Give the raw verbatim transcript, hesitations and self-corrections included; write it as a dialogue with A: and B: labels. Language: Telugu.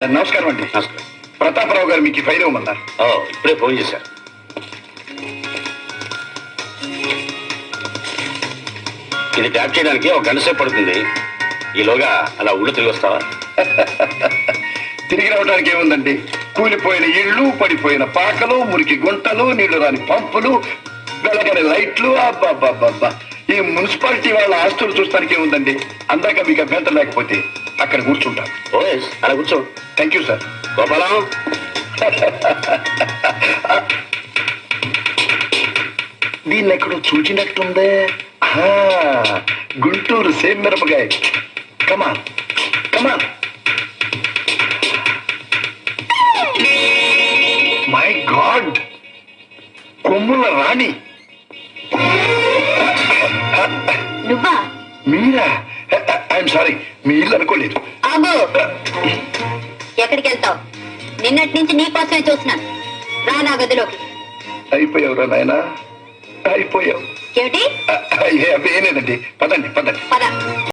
A: నమస్కారం అండి.
B: నమస్కారం.
A: ప్రతాపరావు గారు మీకు ఈ ఫైల్ ఇవ్వమన్నారు.
B: ఓ ఇప్పుడే ఫోన్ చేశారు. ఇది ట్యాప్ చేయడానికి ఒక గంట సేపు పడుతుంది. ఈలోగా అలా ఊళ్ళు తిరిగి వస్తావా?
A: తిరిగి రావడానికి ఏముందండి, కూలిపోయిన ఇళ్ళు, పడిపోయిన పాకలు, మురికి గుంటలు, నీళ్లు రాని పంపులు, వెలగని లైట్లు. అబ్బాబ్బాబ్బా, ఈ మున్సిపాలిటీ వాళ్ళ ఆస్తులు చూస్తానికి ఏముందండి. అందాక మీకు అభ్యంతరం లేకపోతే అక్కడ కూర్చుంటాను.
B: ఓ ఎస్, అలా కూర్చో.
A: Thank you sir.
B: గోపాలం,
A: దీన్ని ఎక్కడో చూచినట్టుందే. ఆహా, గుంటూరు సేమ్ మిరపకాయ. కమాన్ కమాన్. మై గాడ్, కొమ్ముల రాణి
C: నువ్వా?
A: మీరా? ఐఎమ్ సారీ, మీ ఇల్లు అనుకోలేదు.
C: ఆగు, ఎక్కడికి వెళ్తావు? నిన్నటి నుంచి నీ కోసమే చూస్తున్నాను. రా నా గదిలోకి.
A: అయిపోయావురా నాయనా, అయిపోయావు.
C: ఏమిటి?
A: ఏం లేదండి, పదండి పదండి.
C: పద.